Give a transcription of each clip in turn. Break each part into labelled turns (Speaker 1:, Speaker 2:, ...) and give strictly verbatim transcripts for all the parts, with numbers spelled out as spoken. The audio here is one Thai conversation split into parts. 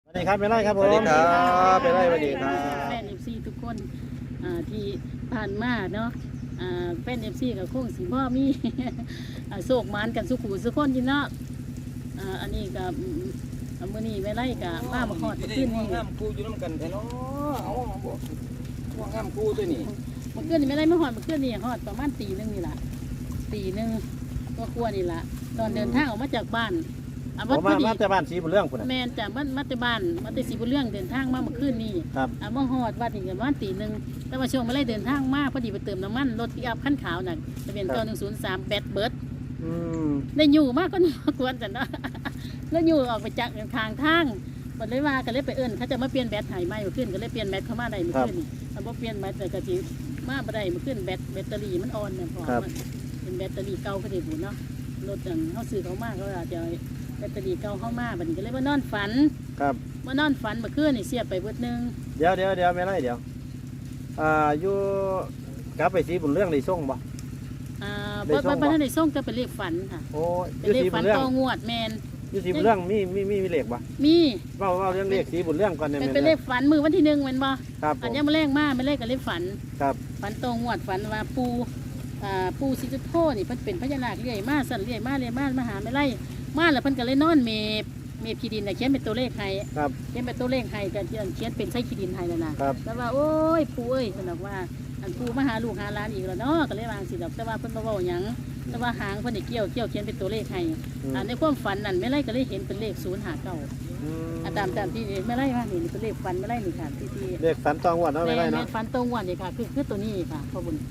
Speaker 1: สวัสดีครับไม่ไล่ครับผม
Speaker 2: สวัสดีครับไม่ไล่สวัสดีครับ
Speaker 3: แฟนเอฟซีทุกคนอ่าที่ผ่านมาเนาะอ่าแฟนเอฟซีกับคงสีพ่อมี อ่าโศกหมานกันสุขุสุขคนจินเนาะอ่าอันนี้กับมื่อนี้ไม่ไล่กับมามาหอดขึ้นนี่
Speaker 2: ห้ามกูอยู่น้ำกันแท้เนาะเอาบ่ว่าห้ามกูตัวนี้
Speaker 3: มาขึ้นนี่ไม่ไล่มาหอดมาขึ้นนี่หอดประมาณตีหนึงนี่แหละตีหนึงก็ควรนี่แหละตอนเดินทางออกมาจากบ้านอ่ะ
Speaker 1: ผ
Speaker 3: วัด
Speaker 1: ม
Speaker 3: พ
Speaker 1: มา
Speaker 3: อดี
Speaker 1: มาแต่บ้านสีบุญเรื่องพุ่นน่ะ
Speaker 3: แมนจากบ้านมาแต่บ้านมาแต่สีบุญเรื่องเดินทางมาเมื่อคืนนี่
Speaker 1: ครับ
Speaker 3: อ่ะมาหอดวัดนี่กันวันตีหนึ่งแต่ว่าช่วงมาไล่เดินทางมากพอดีไปเติมน้ำมันรถปิกอัพขั้นขาวน่ะจะเป็นตัวหนึ่งศูนย์สามแบตเบิร์ด
Speaker 1: อืม
Speaker 3: ได้อยู่มากก็นี่กวนจันเนาะ แล้วอยู่ออกไปจากทางทางมันเลยว่ากันเลยไปเอิ้นเขาจะมาเปลี่ยนแบตไห้ไหมมาขึ้นก็เลยเปลี่ยนแบตเข้ามาได้มาขึ้นนี่ถ้าบ่เปลี่ยนแบตแต่กะทิมาบ่ได้มาขึ้นแบตแบตเตอรี่มันอ่อนเนี่ยพอมันเป็นแบตเตอรี่เก่าก็ได้บุญเนาะรถจังเขาซื้อเขามากเขาอาจจะแบตเตอรี่เก่าเข้ามาบัดนี้ก็เลยมานอนฝัน
Speaker 1: ครับ
Speaker 3: มานอนฝันเมื่อคืนนี่เสียบไปเบิดนึง
Speaker 1: เดี๋ยวเดี๋ยวเดี๋ยวไม่ไล่เดี๋ยวอ่าอยู่กลับไปสีบุญเรื่องในส่งบ่
Speaker 3: อ่า
Speaker 1: ได้
Speaker 3: บ่
Speaker 1: ส่
Speaker 3: บ่
Speaker 1: ง
Speaker 3: บ่
Speaker 1: บ่
Speaker 3: ทันได้ส่งจะเป็นเลขฝันค่ะ
Speaker 1: โอ้อ
Speaker 3: เป็น
Speaker 1: ยู่
Speaker 3: เลข
Speaker 1: สี
Speaker 3: ฝั
Speaker 1: บุ
Speaker 3: น
Speaker 1: ญเรื่อง
Speaker 3: ต่องวดแมน
Speaker 1: อยู่สีบุญเรื่องมีมีมีมีเลขบ่
Speaker 3: มี
Speaker 1: เว้าเว้าเรื่องเลขสีบุญเรื่องก่อนได้ไหม
Speaker 3: เป็นเป็นเลขฝันมือวันที่หนึ่งแมันบ่
Speaker 1: ครับผ
Speaker 3: อัน
Speaker 1: ม
Speaker 3: นี้มาแรงมากไม่เลขกับเลขฝัน
Speaker 1: ครับ
Speaker 3: ฝันตรงงวดฝันว่าปูอ่าปูสิจุโธนี่เพิ่นเป็นพญานาคเรื่อยมาสั่นเรื่อยมาเรื่อยมามาหาไม่ไล่มาแล้วเพิ่นก็เลยนอนเมฟเมฟขี้ดินน่ะเขียนเป็นตัวเลขให้
Speaker 1: ครับ
Speaker 3: เขียนเป็นตัวเลขให้ก็เขียนเป็นไส้ขี้ดินให้นั่นน่ะ
Speaker 1: ครับ
Speaker 3: แต่ว่าโอ้ยปูเอ้ยเพิ่นบอกว่าอันปูมาหาลูกหาหลานอีกแล้วเนาะก็เลยวางสิดอกแต่ว่าเพิ่นบ่เว้าหยังแต่ว่าหางเพิ่นนี่เกี่ยวเกี่ยวเขียนเป็นตัวเลขให้
Speaker 1: อืม
Speaker 3: อ่าในความฝันนั่นไม่ไล่ก็เลยเห็นเป็นเลขศูนย์ห้าเก้า
Speaker 1: อืม
Speaker 3: อ่าตามตามที่ไม่ไล่ว่านี่เป็นเลขฝันไม่ไล่นี่ค่ะที่ที่
Speaker 1: เลขฝันตองวัดเนาะไม่ไล่
Speaker 3: แม่
Speaker 1: เนาะ
Speaker 3: ฟันตรงวันนี่ค่ะคือคือตัวนี้ค่ะพ่อบุญ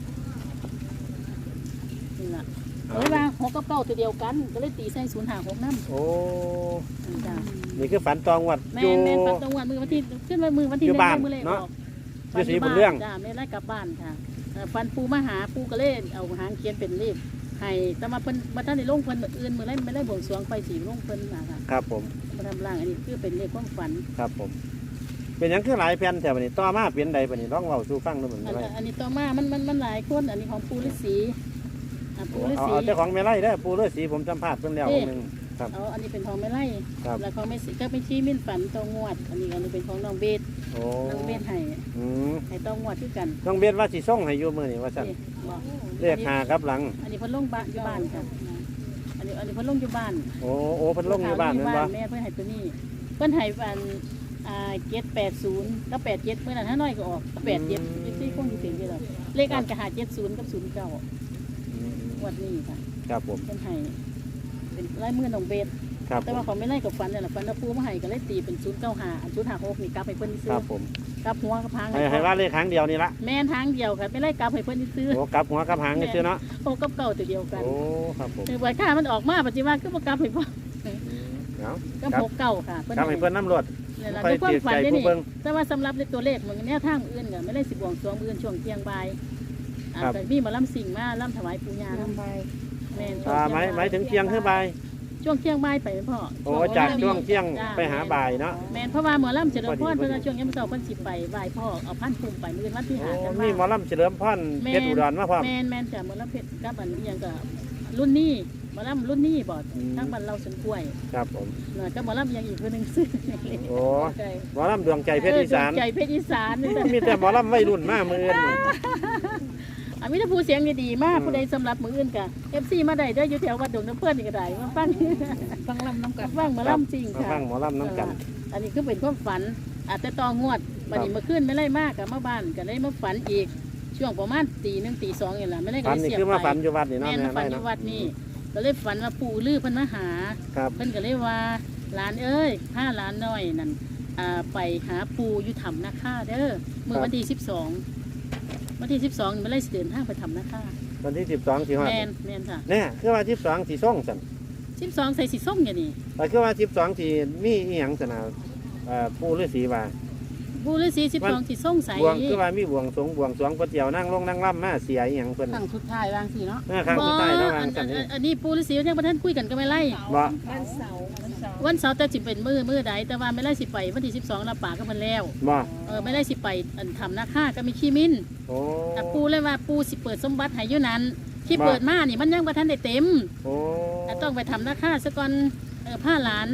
Speaker 3: นี่แหละเอ้ยว่าหกกับเก้าตัวเดียวกัน ก็เลยตีใส่ศูนย์หาหกน้ำ
Speaker 1: โอ้
Speaker 3: จ้า
Speaker 1: นี่คือฝันตองวัด
Speaker 3: แม่
Speaker 1: อยู่
Speaker 3: นแม่นฟันตรงวันมือวันที่ขึ้นมามือวันที่
Speaker 1: อยู่บ้าน
Speaker 3: มือเลย
Speaker 1: เนาะ
Speaker 3: ออก
Speaker 1: อยู่ศรีบุญเรื่อง
Speaker 3: จ้าไม่ไล่กลับบ้านค่ะเอ่อฟันปูมาหาปูก็เล่นเอาหางเขียนเป็นเลขให้แต่มาเพิ่นมาท่านในลงเพิ่นมืออื่นมือไล่ไม่ได้บวงสรวงไปสีลงเพิ่นมาค่ะ
Speaker 1: ครับผม
Speaker 3: มาทำร่างอันนี้คือเป็นเลขความฝัน
Speaker 1: ครับผม เป็นหยังคือหลายแผ่นแต่บัดนี้ต่อมาเปลี่ยนใดบัดนี้ลองเว้าสู่ฟังดูเหมือน
Speaker 3: อัน
Speaker 1: ไร
Speaker 3: อันนี้ต่อมามันมันมันหลายคนอันนี้ของปูฤาษีอ่ะปูฤา
Speaker 1: เอา
Speaker 3: ษี
Speaker 1: เอาเจ้าของไม่ไล่ได้อปูเลือดสีผมสัมภาษณ์เพิ่นแล้วองค์หนึงครับ
Speaker 3: เอาอันนี้เป็นของไม่ไล่
Speaker 1: ครับ
Speaker 3: แล้วของไม่สิก็เป็นชี้มิ้นฝันตองวด อันนี้อันนี้เป็นของน้องเบส
Speaker 1: โอ้
Speaker 3: น้องเบสให้
Speaker 1: อืม
Speaker 3: ให้ตองวดคือกัน
Speaker 1: ต้องเบียดว่าสิส่งให้อยู่มื้อนี้ว่าซั่น
Speaker 3: นี่บอก
Speaker 1: เรียกหาครับหลัง
Speaker 3: อันนี้เพิ่นลงบ้านอยู่บ้านค่ะอันนี้อันนี้เพิ่นลงอยู่บ้าน
Speaker 1: โอ้โอ้เพิ่นลงอยู่บ้านแม่นบ่
Speaker 3: แม่เพิ่นให้ตัวนี้เพิ่นให้อันอ่าเจ็ดแปดศูนย์กับแปดเจ็ดเมื่อนั้นห้าน้อยก็ออกแปดเจ็ดยี่สิบคงอยู่เป็นที่เราเลขอันกระหาเจ็ดศูนย์กับศูนย์เก้า
Speaker 1: อืม
Speaker 3: วันนี้ค่ะ
Speaker 1: ครับผม
Speaker 3: เพิ่นให้เป็นลายมือน้องเบส
Speaker 1: ครับ
Speaker 3: แต่
Speaker 1: ผม
Speaker 3: ว่าเขาไม่ไล่กับฟันเนี่ยแหละฟันตะปูมาให้ก็เลยตีเป็นศูนย์เก้าหาอันศูนย์หาหกนี่กลับให้เพิ่นซื้
Speaker 1: ค
Speaker 3: อ
Speaker 1: รับผม
Speaker 3: กลับหัวกับหาง
Speaker 1: ให้ให้ว่าเลขครั้งเดียวนี่ละ
Speaker 3: แม่นทางเดียวค่ะไม่ไล่กลับให้เพิ่นซื้อ
Speaker 1: โอ้กลับหัวกลับหางนี่ซื่อเนาะ
Speaker 3: โอ้กับเก่าตัวเดียวกัน
Speaker 1: โอ้ครับผม
Speaker 3: คือใบค่ามันออกมาปัจจุบันก็บ่กลับให้พ่อ
Speaker 1: อืมเอา
Speaker 3: ก็พกเก่าค่ะ
Speaker 1: กลับให้เพิ่นน้ำรวด
Speaker 3: นี่แหละ
Speaker 1: ค่อย
Speaker 3: ด้วยความฝัน
Speaker 1: เสียใจ
Speaker 3: ได้
Speaker 1: ผู้
Speaker 3: นี่
Speaker 1: เบิ่ง
Speaker 3: แต่ว่าสำหรับในตัวเลขมันแนวทางอื่นก็ไม่ได้สิบวงสรวงอื่นช่วงเที่ยงบ่ายอ่า
Speaker 1: ครับ
Speaker 3: แต่มีหมาล่ำสิ่งมาล่ำถวายปู่ย่าล่ำใบแม่นช่วง
Speaker 1: อ่าห
Speaker 3: เที่
Speaker 1: มาย
Speaker 3: ง
Speaker 1: หมายถึงเที่ยงคือบ่าย
Speaker 3: ช่วงเที่ยงบ่ายไปไหมพ่อ
Speaker 1: โอ้จากช่วงเที่ยง
Speaker 3: จ้
Speaker 1: ไปหาบ่ายเนาะ
Speaker 3: แม่นเพราะว่าหมอล่ำเฉลิมพร
Speaker 1: พอดี
Speaker 3: เพื่อนช่วงยามเช้าเพิ่นสิไปไหว้พ่อเอาพันภูมิไปมื้อวันที่
Speaker 1: โอ้
Speaker 3: หากัน
Speaker 1: มีหมอลำเฉลิมพรเพชรอุดรมาพร้อม
Speaker 3: แม่นแม่นจ้ะหมอลำเพชรกับอันนี้ยังก็รุ่นนี้หมอลำรุ่นนี้บ่
Speaker 1: อืม
Speaker 3: ทั้งบ้านเราสวนกล้วย
Speaker 1: ครับผม
Speaker 3: เนาะกับหมอลำยังอีกคนหนึงซื้อ
Speaker 1: โอ้หมอลำดวงใจเพชรอีสาน
Speaker 3: เดวงใจเพชรอีสานนี่จ้ะ
Speaker 1: มีแต่หมอลำวัยรุ่นมากมืออื่น
Speaker 3: อ่ะมีแต่ผู้เสียงดีๆมาก
Speaker 1: อืม
Speaker 3: ผู้ใดสำหรับมืออื่นกะ เอฟ ซี มาได้เด้ออยู่แถววัดดงน้ำเพื่อนนี่ก็ได้มาฟัง
Speaker 4: ฟังลำน้ำกั
Speaker 3: มาน ฟังหมาล่ำจริง
Speaker 1: มา
Speaker 3: ค่ะ
Speaker 1: ฟังหมอลำน้ำกัน
Speaker 3: อันนี้คือเป็นความฝันอาจจะต่องวดบัดนี้เมื่อคืนไม่ไล่มากกับมาบ้านก็เลยมาฝันอีกช่วงประมาณตีหนึ่งตีสองอย่างละไม่ได้ก็
Speaker 1: ฝัน
Speaker 3: เลย
Speaker 1: นี่
Speaker 3: เสียบ
Speaker 1: คือมา
Speaker 3: ไป
Speaker 1: ฝันอยู่วัดนี่เนาะ
Speaker 3: แม่น
Speaker 1: แม่
Speaker 3: มาฝัน
Speaker 1: ได้
Speaker 3: อ
Speaker 1: เนาะ
Speaker 3: ยู่วัดนี่ก็เลยฝันว่าปู่ลือเพิ่นมาหา
Speaker 1: ครับ
Speaker 3: เพิ่นก็เลยว่าหลานเอ้ยผ้าหลานน้อยนั่นอ่าไปหาปู่อยู่ถ้ำนาคาเด้อเมื่อวันที่สิบสองวันที่สิบสองไม่ไล่สิเดินทางไปถ้ำนาคา
Speaker 1: วันที่สิบสองที่ฮอด
Speaker 3: แม่นแม่นค่ะ
Speaker 1: เนี่ยคือว่าสิบสองที่ส่งสัน
Speaker 3: สิบสองใส่สีส้มอย่างนี้
Speaker 1: แต่คือว่าสิบสองที่มีอีหยังสนาเอ่อปู่ฤาษีว่า
Speaker 3: ปู่ฤาษีสิบสองสีส้มใส
Speaker 1: บวงคือว่ามีบวงสรวงบวงสรวงก๋วยเตี๋ยวนั่งลงนั่งล่ำมาเสียอีหยังเพิ่น
Speaker 4: ครั้งสุดท้ายวางสิเนาะ
Speaker 1: เมื่อครั้งสุดท้ายเนาะ
Speaker 3: อั
Speaker 1: วาง
Speaker 3: น
Speaker 1: กัน
Speaker 3: อัน
Speaker 1: นี่
Speaker 3: อันนี้ปู่ฤาษียังประท่านคุยกันก็ไม่ไล่
Speaker 1: บ่
Speaker 4: วันเสาร์วันเสาร์
Speaker 3: วันเสาร์แต่สิเป็นมือมือใดแต่ว่าไม่ไล่สิไปวันที่สิบสองรับปากก็มันแล้ว
Speaker 1: บ่
Speaker 3: เออไม่ไล่สิไปอันทำนาค่าก็มีขี้มิ้น
Speaker 1: โอ้
Speaker 3: แต่ปูเลยว่าปูสิเปิดสมบัติให้อยู่นั้นที่
Speaker 1: บ่
Speaker 3: เปิดมานี่มันยังประท่านได้เต็ม
Speaker 1: โอ้
Speaker 3: แต่ต้องไปทำนาค่าซะก่อนเออผ้าหลาน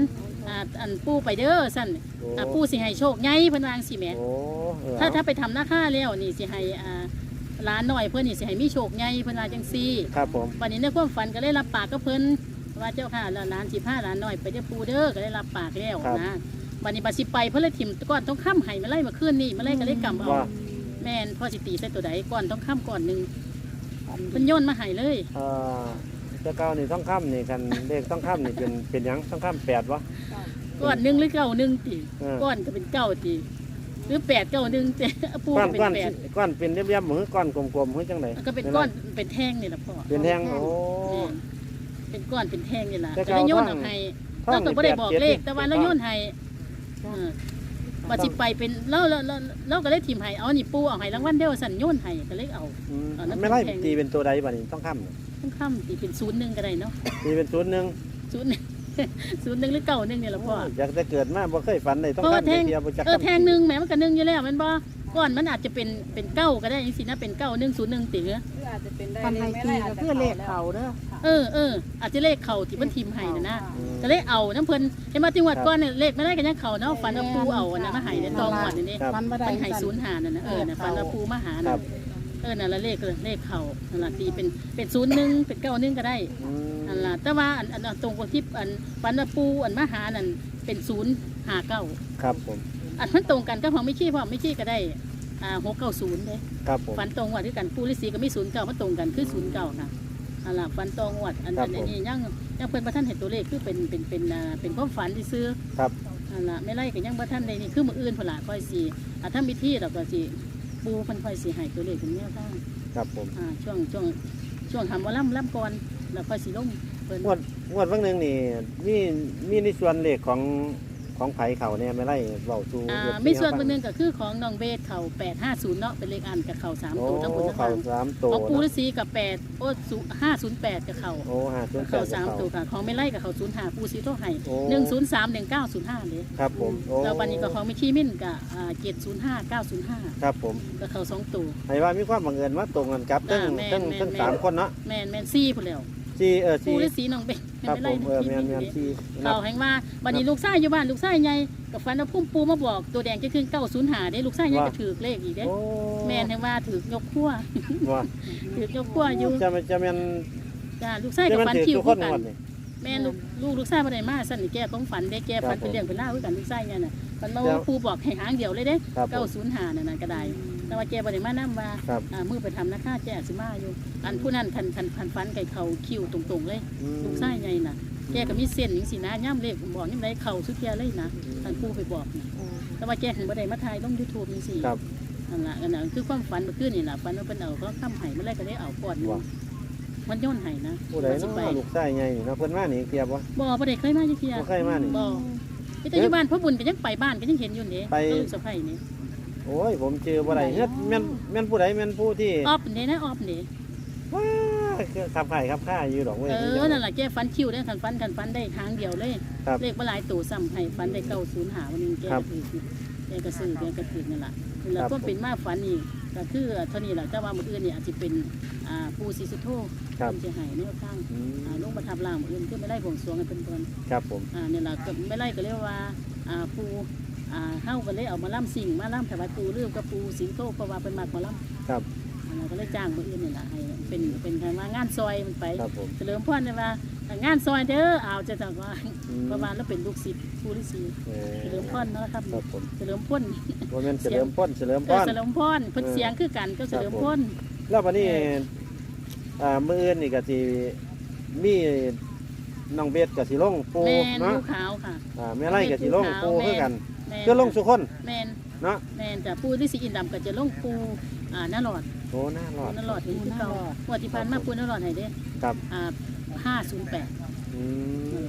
Speaker 3: อ่าอันปู่ไปเด้อสั่น
Speaker 1: โอ้
Speaker 3: อ่าปู่สิให้โชคใหญ่เพิ่นวาจั่งสิแหม
Speaker 1: โอ้เออ
Speaker 3: ถ้าถ้าไปทำหน้าค่าแล้วนี่สิให้อ่าหลานน้อยเพิ่นนี่สิให้มีโชคใหญ่เพิ่นว่าจังซี่
Speaker 1: ครับผม
Speaker 3: วันนี้ในความฝันก็ได้รับปากกับเพิ่นว่าเจ้าค่ะแล้วหลานสิพาหลานน้อยไปเด้อปู่เด้อก็ได้รับปากแล้วนะวันนี้บัดสิไปเพิ่นเลยถิ่มก้อนต้องค้ำให้มาไล่มาคืนนี่มาไล่ก็เลยกำเอา
Speaker 1: ว่า
Speaker 3: แม่นพ่อสิตีใส่ตัวใดก้อนต้องค้ำก้อนหนึงเพิ่นโยนมาให้เลย
Speaker 1: เอ่อเจ้าเก่านี่ต้องค้ำนี่กันเลขต้องค้ำนี่เป็นเป็นหยังต้องค้ำแปดวะ
Speaker 3: ก้อนหนึงหรือเก้าหนึงติ
Speaker 1: เออ
Speaker 3: ก้อนก็เป็นเก้าติหรือแปดเก้าหนึงแต่ปู่
Speaker 1: ก้อน
Speaker 3: ก็เป็
Speaker 1: ก้อน
Speaker 3: นแปด
Speaker 1: ก้อนเป็นเรียบๆเหมือนก้อนกลมๆเหมือนจังได
Speaker 3: ก็เป็นก้อนเป็นแท่งนี่ล่ะพ่อ
Speaker 1: เป็นแท่งโอ้
Speaker 3: แม่นเป็นก้อนเป็นแท่งนี่ล่ะ
Speaker 1: แต่
Speaker 3: ก็
Speaker 1: เก่า
Speaker 3: เลยโยน
Speaker 1: ท่
Speaker 3: เอา
Speaker 1: อง
Speaker 3: ให้
Speaker 1: ท่อ
Speaker 3: เรา
Speaker 1: ง
Speaker 3: ก็
Speaker 1: นี่
Speaker 3: บ่ได้บอก
Speaker 1: แปด
Speaker 3: เลข
Speaker 1: จ็ด
Speaker 3: แต่ว่าเราโยนให้เออว่าสิไปเป็นเราเราเราเราก็เลยทีมให้เอานี่ปูเอาให้รางวัลเดียวสั่นโยนให้ก็เลยเอา
Speaker 1: อืม
Speaker 3: เอาน้ำ
Speaker 1: ไม่ไล่
Speaker 3: แข็ง
Speaker 1: ตีเป็นตัวใดบ่นี่ต้องค้ำนี่
Speaker 3: ต้องค่ำตีเป็นศูนย์หนึ่งก็ได้เนาะ
Speaker 1: ตีเป็นศูนย์หนึ่ง
Speaker 3: ศูนย์ ศูนย์หนึ่งหรือเก้าหนึ่งนี่แหละพ่อ
Speaker 1: อยากจะเกิดมาบ่เคยฝันเลยต้อง
Speaker 3: เพราะว่า
Speaker 1: ค้ำ
Speaker 3: แท่ง
Speaker 1: เดียวบ่จัก
Speaker 3: เออ
Speaker 1: ค้ำ
Speaker 3: แทงหนึ่งแหมมันก็หนึ่งอยู่แล้วแมันบ่ก้อนมันอาจจะเป็นเป็นเก้าก็ได้ยังสินะเป็นเก้าหนึ่งศูนย์หนึ่งตีเหรอ
Speaker 4: คืออาจจะเป็นได้
Speaker 5: คันให้ตีก็คือเลขเขาเด้อ
Speaker 3: เออเอออาจจะเลขเข่าที่มันทีมให้นะนะ
Speaker 1: อืม
Speaker 3: ก็เลยเอาน้ำเพิ่นเห็นมาจังหวัดก้อนเนี่ยเลขไม่ได้กันยังเข่าเนาะฝันว่าปูเอาอันนั้นมาให้ในตองหวัดนี่
Speaker 1: ครับ
Speaker 5: มันบ่ได้
Speaker 3: มันให้ศูนย์หานั่นนะเออน่ะฝันว่าปูมาหา
Speaker 1: ครั
Speaker 3: น่ะ
Speaker 1: บ
Speaker 3: เออนั่นละเลขเลยเลขเข่านั่นละตีเป็นเป็นศูนย์หนึ่งเป็นเก้าหนึ่งก็ได้
Speaker 1: อืม
Speaker 3: นั่นละแต่ว่าอันอันอันตรงกับที่อันฝันว่าปูอันมาหานั่นเป็นศูนย์หาเก้า
Speaker 1: ครับผม
Speaker 3: อันมันตรงกันก็พอไม่ชี้พอไม่ชี้ก็ได้อ่าหกเก้าศูนย์เลย
Speaker 1: ครับผม
Speaker 3: ฝันตรงวัดด้วยกันปูฤาษีก็มีศูนย์เก้ามันตรงกันคือศูนย์เก้าค่ะอันละฝันตรงวัดอัน
Speaker 1: ครั
Speaker 3: อั
Speaker 1: บ
Speaker 3: น
Speaker 1: ผม
Speaker 3: นี้ยังยังเพิ่นประท่านเห็นตัวเลขคือเป็นเป็นเป็นอ่าเป็นความฝันที่ซื้อ
Speaker 1: ครับ
Speaker 3: อันละไม่ไล่ก็ยังประท่านใดนี่คือมืออื่นพนละค่อยสีอ่าถ้ามีที่เราก็สิปูเพันค่อยสีให้ตัวเลขเป็นแนวทาง
Speaker 1: ครับผม
Speaker 3: อ่าช่วงช่วงช่วงทำว่าล่ำล่ำก่อนแล้วค่อยสีลงเพิ่น
Speaker 1: งวดงวดวันหนึงนี่มีมีในส่วนเลขของของไผเขาเนี่ยไม่ไล่เว้าสู่
Speaker 3: อ่า
Speaker 1: เรื่อง
Speaker 3: มีส่วน
Speaker 1: ที่
Speaker 3: เบ
Speaker 1: เฮา
Speaker 3: นหนึ่งก็คือของน้องเบสเขาแปดห้าศูนย์เนาะเป็นเลขอันกับเขาสาม
Speaker 1: โอ้
Speaker 3: ตัวทั้งหมดทั้ง
Speaker 1: เขา
Speaker 3: หลัง
Speaker 1: สามตัว
Speaker 3: ของปูฤา
Speaker 1: เนาะ
Speaker 3: ษีกับแปดโอ้ห้าศูนย์แปดกับเขา
Speaker 1: โอ้ห้าศูนย์แป
Speaker 3: เขา
Speaker 1: ด
Speaker 3: สาม
Speaker 1: เขา
Speaker 3: ตัวค่ะของไม่ไล่กับเขาศูนย์ห้าปูซีโทไห้
Speaker 1: โอ้
Speaker 3: หนึ่งศูนย์สามหนึ่งเก้าศูนย์ห้าเลย
Speaker 1: ครับผมโอ้
Speaker 3: แล้ววันนี้ก็ของไม่ชี้มิ่นกับอ่าเจ็ดศูนย์ห้าเก้าศูนย์ห้า
Speaker 1: ครับผม
Speaker 3: กับเขาสองตัว
Speaker 1: ให้ว่ามีความบังเอิญว่าตรงกันครับทั้ง
Speaker 3: อ่าแม่น
Speaker 1: ทั้ง
Speaker 3: แม่น
Speaker 1: ทั้ง
Speaker 3: แม่น
Speaker 1: สามคนเนาะ
Speaker 3: แมนแมนซี่พูดแล้ว
Speaker 1: สี่เออ
Speaker 3: ปู
Speaker 1: สี่
Speaker 3: ฤาษีน้องเบส
Speaker 1: ครับ
Speaker 3: ไม่
Speaker 1: ผ
Speaker 3: ไล่
Speaker 1: มเออแมนแมนสี่นั
Speaker 3: เขา
Speaker 1: บ
Speaker 3: แห่งว่าวันนี้ลูกชายอยู่บ้านลูกชายใหญ่กับฟันเอาพุ่มปูมาบอกตัวแดงจะขึ้นเก้าศูนย์หาได้ลูกชายใหญ่ก็ถือเลขอีกเด้
Speaker 1: โอ้
Speaker 3: แมนแห่งว่าถือยกขั้ว
Speaker 1: ว่า
Speaker 3: ถือยกขั้วอยู่
Speaker 1: จะมันจะแมน
Speaker 3: จ้าลูกชาย
Speaker 1: จะ
Speaker 3: กับ
Speaker 1: แมน
Speaker 3: ฟัน
Speaker 1: ถือ
Speaker 3: คิว
Speaker 1: ทุกค
Speaker 3: คื
Speaker 1: น
Speaker 3: อกั
Speaker 1: หม
Speaker 3: น
Speaker 1: ดนี่
Speaker 3: แม่ลูกลูกลูกชายบ่ได้มาสั่นนี่แกของฝันได้แกฝัน
Speaker 1: ครับ
Speaker 3: เป็นเรื่องเป็นเล่าวคือกันลูกชายเนี่ยน่ะฝันมา
Speaker 1: เดี๋ยว
Speaker 3: ว่าปูบอกให้หางเดียวเลยเด้
Speaker 1: ครับผม
Speaker 3: เก้าศูนย์หานั่นน่ะก็ได้แต่ว่าแกบ่ได้มานํว่า
Speaker 1: ครับ
Speaker 3: อ่ามือไปทำนะค่าแกสิมาอยู่ อันผู้นั้นคันคันคันฟันไก่เขาคิวตรงๆเลย
Speaker 1: อืม
Speaker 3: ลูกชายใหญ่น่ะแกก็มีเส้นจังซี่นะย่ำเลขบอกย่ำไรเข่าสุดแกเลยนะท่านปูไปบอกน่ะแต่ว่าแกถึงบ่ได้มาถ่ายลง YouTube จังซี่
Speaker 1: ครับ
Speaker 3: นั่นล่ะอันนั้นคือความฝันเมื่อคืนนี่ล่ะฝันว่าเพิ่นเอาเขาค้ำไห้เมื่อไรก็ได้เอาก่อนหนึ่ง
Speaker 1: ว่า
Speaker 3: มันโย่นไห้นะ
Speaker 1: ผู้ใด
Speaker 3: ว่าสิ
Speaker 1: เนาะ
Speaker 3: ไป
Speaker 1: ลูกชายใหญ่นี่เนาะเพิ่นมานี่เกียบวะ
Speaker 3: บ่บ่ได้เคยมาจักเที่ย
Speaker 1: บ่เคยมานี่
Speaker 3: บ่พี่แต่อยู่บ้านพ่อบุญก็ยังไปบ้านก็ยังเห็นอยู่นี่
Speaker 1: ไป
Speaker 3: กับลูกสะใภ้นี่
Speaker 1: โอ้ยผมเจอบ่ได้เฮ็ดแม่นแม่นผู้ใดแม่นผู้ที่
Speaker 3: ออบนี่นะออบนี่
Speaker 1: ว้าคือขับไข่ขับข้าอยู่ดอกเว้ย
Speaker 3: เออนั่นล่ะแกฝันคิวได้คันฝันคันฝันได้ทางเดียวเลย
Speaker 1: ครับ
Speaker 3: เลขบ่หลายตัวซ้ำให้ฝันได้เก้าศูนย์หาวันนึงแก
Speaker 1: ครั
Speaker 3: ก็
Speaker 1: บ
Speaker 3: ถือแกก็ซื้อแกก็ถือนั่นล่ะนั่นล่ะ
Speaker 1: ครับ
Speaker 3: ก็เป็นมาฝันนี่ก็คือเท่านี้ล่ะแต่ว่ามื้ออื่นนี่อาจสิเป็นอ่าปู่ศรีสุโธ
Speaker 1: ครับ
Speaker 3: เพิ่นสิให้แนวทาง
Speaker 1: อืม
Speaker 3: อ่าลงมาทับล่างมื้ออื่นคือไม่ได้บวงสรวงให้เพิ่นเพิ่น
Speaker 1: ครับผม
Speaker 3: อ่าเนี่ยล่ะก็ไม่ไล่ก็เรียกว่าอ่าปูอ่าเฮาก็เลยเอามาล่ำสิ่งมาล่ำถวายปูเรื่องกับปูสิงโตเพราะว่าเป็นมากมาล่ำ
Speaker 1: ครับ
Speaker 3: อ่าเราก็เลยจ้างมืออื่นนี่แหละให้เป็นเป็นการว่างานซอยมันไป
Speaker 1: ครับผม
Speaker 3: เฉลิมพรเนี่ยว่างานซอยเด้อเอาจะจังว่า
Speaker 1: อืม
Speaker 3: ประมาณแล้วเป็นลูกศิษย์ปูฤาษี
Speaker 1: เออ
Speaker 3: เฉลิมพรเนาะครับ
Speaker 1: ครับผม
Speaker 3: เฉลิมพร
Speaker 1: บ่แม่นเฉลิมพลเฉลิมพ
Speaker 3: เออ
Speaker 1: ร
Speaker 3: เฉลิมพรเพิ่นเสียงคือกันก็เฉลิมพร
Speaker 1: แล้ววันนี้อ่ามื้ออื่นนี่ก็สิมีน้องเบสก็สิลงปู
Speaker 3: แมน
Speaker 1: เนาะ
Speaker 3: ลูกขาวค่ะ
Speaker 1: อ่าแม่ไร่ก็สิลงปูคือกัน
Speaker 3: แมน
Speaker 1: คือลงสุคน
Speaker 3: แมน
Speaker 1: เนาะ
Speaker 3: แมนจ้ะปูฤาษีอินดำก็จะลงปูอ่าหน้าหลอด
Speaker 1: โอ้น่ารอ
Speaker 3: ปู
Speaker 1: ด
Speaker 3: นรอดเห็นคือเก่าปฏิพันธ์มาปูนรอดให้เด้
Speaker 1: ครับ
Speaker 3: อ่าห้าศูนย์แปด
Speaker 1: อืม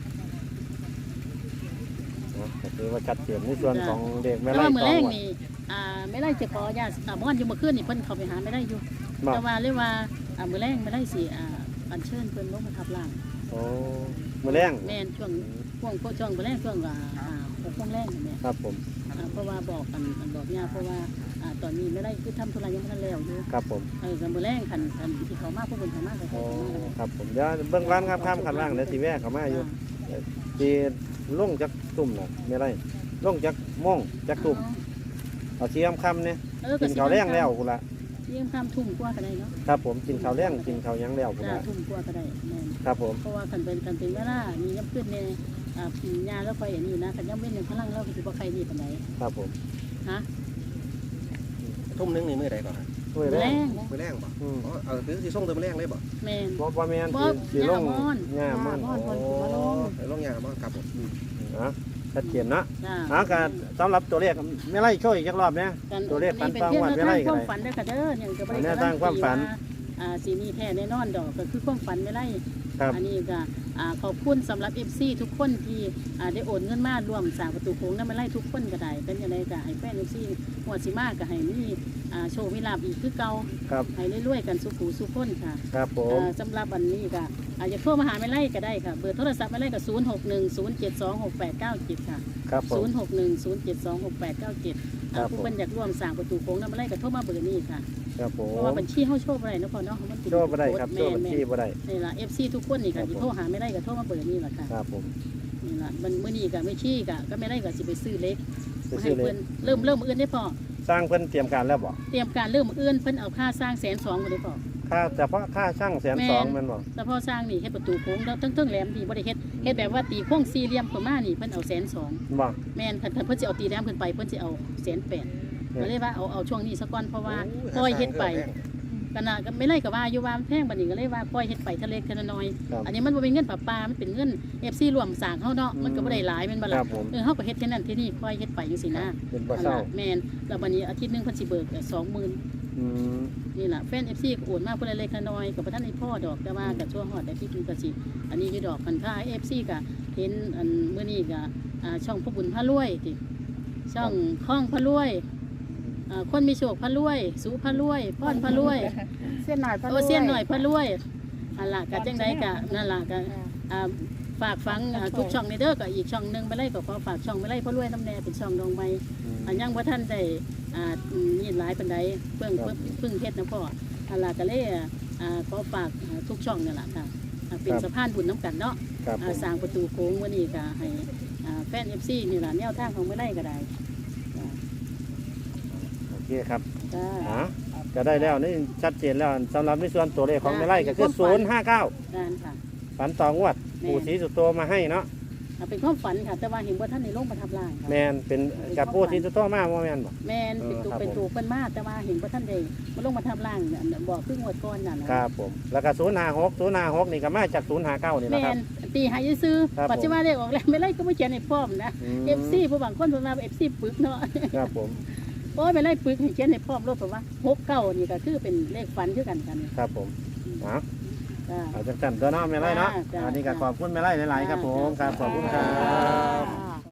Speaker 1: เนาะก็คือว่าชัดเจนในส่วนของเด็กแม่
Speaker 3: แต่
Speaker 1: ไร่
Speaker 3: ว่ามือ
Speaker 1: ตอ
Speaker 3: แรง ง
Speaker 1: ว่ะ
Speaker 3: นี่อ่าไม่ไล่จะขอญาติอ่าบ้านอยู่เมื่อคืนนี่เพิ่นเข้าไปหาไม่ได้อยู่
Speaker 1: บ่
Speaker 3: แต่ว่าเรียกว่าอ่ามือแรงไม่ได้สิอ่าอัญเชิญเพิ่นลงมาทับล่าง
Speaker 1: โอ้มื้อแรง
Speaker 3: แม่นช่วงช่วงช่วงมือแรงช่วงอ่าอ่าหกโมงแรงนี่แม่
Speaker 1: ครับผม
Speaker 3: อ่าเพราะว่าบอกกันอันบอกญาเพราะว่าอ่าตอนนี้ไม่ได้คือทำธุระยังไม่ทันแล้วอยู่
Speaker 1: ครับผม
Speaker 3: เออกับมือแรงคันคันที่เขามาพวกคนเขามาเขา
Speaker 1: โอ้
Speaker 3: เขามาแล้ว
Speaker 1: ครับผมเดี๋ยวเบื้องร้านครับข้ามขันล่างเดี๋ยวสิแวะเข้ามาอยู่ ที่ลงจากตุ่มน่ะไม่ไรลงจากม่องจากตุ่มเอาเชียมคำเนี่ย
Speaker 3: เออ
Speaker 1: กินข้าวแรงแล้วกูละ
Speaker 3: เยี่ยมคำทุ่มกว่าก็ได้เนาะ
Speaker 1: ครับผมกินข้าวแรงกินข้าวหยังแล้วกู
Speaker 3: จ้า
Speaker 1: ละ
Speaker 3: ทุ่มกว่าก็ได้แม่น
Speaker 1: ครับผม
Speaker 3: เพราะว่าคันเป็นคันเป็นเวลามีย่ำขึ้นเนี่ยอ่าปีญาแล้วคอยเห็นอยู่นะคันย่ำเว้นหนึ่งพลังเราคือบ่ใครดีปานใด
Speaker 1: ครับผม
Speaker 3: ฮะ
Speaker 2: ทุ่มหนึงนี่มื้อใดก่อนฮะ
Speaker 1: ช่วยแร
Speaker 3: แรง ง
Speaker 2: มื้อแรงบ่
Speaker 1: อืม
Speaker 2: อ๋อเอาคือสิส่งเติมแรงเลยบ่
Speaker 3: แม่น
Speaker 1: บ่บ่แม่น
Speaker 3: บ่
Speaker 1: สิสิลง
Speaker 3: หญ้าม่อน
Speaker 1: หญ้าม่อน
Speaker 5: หญ้าม่อน
Speaker 2: โอ้ไปลงยาบ่ครับผม
Speaker 1: นะชัดเจนเนาะ
Speaker 3: จ้า
Speaker 1: หาการสำหรับตัวเลขไม่ไล่ช่วยอีกจักรอบเนี่ย
Speaker 3: กัน
Speaker 1: ตัวเลขฝัน
Speaker 3: เป็น
Speaker 1: ฟัง
Speaker 3: เพียง
Speaker 1: วัน
Speaker 3: แนว
Speaker 1: ไม่
Speaker 3: ทา
Speaker 1: ไล่
Speaker 3: ง
Speaker 1: กั
Speaker 3: คน วาม
Speaker 1: เลย
Speaker 3: ฝันเด้อค่ะเด้อเนี่ยก็บ่ได้
Speaker 1: แนวทางความฝัน
Speaker 3: อ่าสีมีแท้แน่นอนดอกก็คือความฝันไม่ไล่
Speaker 1: ครับ
Speaker 3: อันนี้ก็อ่าขอบคุณสำหรับ เอฟ ซี ทุกคนที่อ่าได้โอนเงินมาร่วมสร้างประตูโค้งนั้นไม่ไล่ทุกคนก็ได้เป็นยังไงก็ให้แฟน เอฟ ซี หัวดสิมาก็ให้มีอ่าโชว์มีลาบอีกคือเก่า
Speaker 1: ครับ
Speaker 3: ให้รวยๆกันสุขูสุขคนค่ะ
Speaker 1: ครับผม
Speaker 3: อ่าสำหรับวันนี้ก็อาจจะโทรมาหาไม่ไล่ก็ได้ค่ะเบอร์โทรศัพท์ไม่ไล่ก็ศูนย์หกหนึ่งศูนย์เจ็ดสองหกแปดเก้าเจ็ดค่ะ
Speaker 1: ครับผ
Speaker 3: ศู
Speaker 1: ม
Speaker 3: นย์หกหนึ่งศูนย์เจ็ดสองหกแปดเก้าเจ็ด
Speaker 1: ครับผม
Speaker 3: ผู้เป็นอยากร่วมสร้างประตูโค้งนั้นไม่ไล่ก็โทรมาเบอร์นี้ค่ะ
Speaker 1: ครับผ
Speaker 3: เพราะ
Speaker 1: ม
Speaker 3: ว่าบัญชีเขาโชว์อะไรเนาะพอเนาะมันเป็น
Speaker 1: โชว์บ่ได้ครับโชว์บัญชีบ่ได้
Speaker 3: นี่ล่ะ เอฟ ซี ทุกคนนี่
Speaker 1: ครั
Speaker 3: ค่ะ
Speaker 1: บ
Speaker 3: ที่
Speaker 1: ผม
Speaker 3: โทรหาไม่ได้ก็โทรมาเบอร์นี้แหละค่ะ
Speaker 1: ครับผม
Speaker 3: นี่ล่ะมันมื้อนี้ก็ไม่ชี้ก็ก็ไม่ได้ก็สิไปซื้อเล็ก
Speaker 1: ไป
Speaker 3: มา
Speaker 1: ซื้
Speaker 3: ให้
Speaker 1: อเล
Speaker 3: เพิ่
Speaker 1: ย
Speaker 3: นเริ่มเริ่มมื้ออื่นได้พอ
Speaker 1: สร้างเพิ่นเตรียมการแล้วบ่
Speaker 3: เตรียมการเริ่มมื้ออื่นเพิ่นเอาค่าสร้างแสนสองบ่ได้พอ
Speaker 1: ค่าเฉพาะค่าช่างแสนสองแมันบ่
Speaker 3: แต่พอสร้างนี่เฮ็ดประตูโค้งแล้วทั้งๆแหลมนี่บ่ได้เฮ็ดเฮ็ดแบบว่าตีโค้งสี่เหลี่ยมขึ้นมานี่เพิ่นเอาแสนสอง
Speaker 1: บ่
Speaker 3: แม่นคันเพิ่นสิเอาตีแหลมขึ้นไปเพิ่นสิเอาแสนแปดก็เลยว่าเอาเอาช่วงนี้ซะก่อนเพราะว่าปล่อยเฮ็ดไปก็น่ะก็ไม่ไล่ก็ว่าอยู่ว่ามันแพงบัดนี้ก็เลยว่าปล่อยเฮ็ดไปทะเลทะน้อย
Speaker 1: ครับ
Speaker 3: อันนี้มันบ่เป็นเงินปลาปลามันเป็นเงิน เอฟ ซี รวมสร้างเฮาเนาะมันก็บ่ได้หลายแม่นบ่
Speaker 1: ค
Speaker 3: ล่ะ
Speaker 1: รับผม
Speaker 3: เออเฮาก็เฮ็ดแค่นั้นที่นี่ปล่อยเฮ็ดไปจังซี่นะ
Speaker 1: เป็นบ่เศร้า
Speaker 3: แม่นแล้วบัดนี้อาทิตย์หนึงเพิ่นสิเบิกสองหมื่น
Speaker 1: อืม
Speaker 3: นี่ล่ะแฟน เอฟ ซี ก็โอนมาเพิ่นเล็กๆน้อยๆก็บ่ทันได้พ่อดอกแต่ว่าก็ชั่วฮอดแต่ที่คุณก็สิอันนี้อยู่ดอกคันค่า เอฟ ซี ก็เห็นอันมื้อนี้ก็อ่าช่องพระบุญพระรวยติช่องข้องพระรวยอ่าคนมีโชคพระรวยสุพระรวยพรพระรวย
Speaker 5: เส้นหน่อยพะ
Speaker 3: โอเซียนหน่อยพระรวยอันล่ะก็จังไดก็นั่นล่ะก็อ่าฝากฟังอ่าทุกช่องในเด้อก็อีกช่องหนึงไปไล่ก็ขอฝากช่องไปไล่พระรวยน้ำแน่เป็นช่องดองใบ อันยังว่าท่านได้อ่ามีหลายปันไดเพิ่ง
Speaker 1: ครับ
Speaker 3: เพิ่งเฮ็ดนะพ่ออันล่ะก็เลยอ่าขอฝากอ่าทุกช่องนี่แหละค่ะอ่าเป็น
Speaker 1: ครับ
Speaker 3: สะพานบุญน้ำกันเนาะ
Speaker 1: ครับผ
Speaker 3: อ่าม สร้างประตูโค้งวันนี้ก็ให้อ่าแฟน เอฟ ซี นี่แหละแนวทางของไม่ได้ก็ได้จ้า
Speaker 1: โอเคครับ
Speaker 3: จ้า
Speaker 1: อ่ะก็ได้แล้วนี่ชัดเจนแล้วสำหรับในส่วนตัวเลขของ
Speaker 3: จ้ะ
Speaker 1: ไม่ไล่ก็คือ
Speaker 3: มีความฝัน
Speaker 1: ศูนย์ห้าเก้า
Speaker 3: การค่ะ
Speaker 1: ฝันต่องวด
Speaker 3: แม่
Speaker 1: ปู่ศรีสุโตมาให้เนาะ
Speaker 3: อ่าเป็นความฝันค่ะ แต่ว่าเห็นว่าท่านในโลกประทับร่างค่ะ
Speaker 1: แมนเป็นกับปู่ศรีสุโตมาบ่แมนบ่
Speaker 3: แม่นเป็นตัว
Speaker 1: เออครับ
Speaker 3: เป็นตัวเพิ่นมาแต่ว่าเห็นว่าท่านได้มาลงมาทับร่างน่ะบอกคืองวดก่อนน่ะนะครับ
Speaker 1: ผมแล้วก็ศูนย์ห้าหกศูนย์ห้าหกนี่ก็มาจากศูนย์ห้าเก้านี่แหละ
Speaker 3: แม่
Speaker 1: ครับ
Speaker 3: นตีหายซื้อ
Speaker 1: ครับ
Speaker 3: ปัจจุบันได้ออกแล้วไม่ไล่ก็ไม่เขียนในพร้อมนะ
Speaker 1: ม
Speaker 3: เอฟซีผู้บางคนเพิ่นว่าเอฟซีปึกเนาะ
Speaker 1: ครับผม
Speaker 3: โอ้ยไปไล่ปึกให้เขียนในพร้อมรถเพราะว่าหกเก้านี่ก็คือเป็นเลขฝันคือกันกัน
Speaker 1: ครับผมนะ
Speaker 3: จ้า
Speaker 1: เอาจังสันตัวเนาะไม่ไล่เนาะ
Speaker 3: จ้ะ
Speaker 1: อันนี้ก็ขอบคุณไม่ไล่หลายๆครับผมครับขอบคุณครับ
Speaker 5: อ่า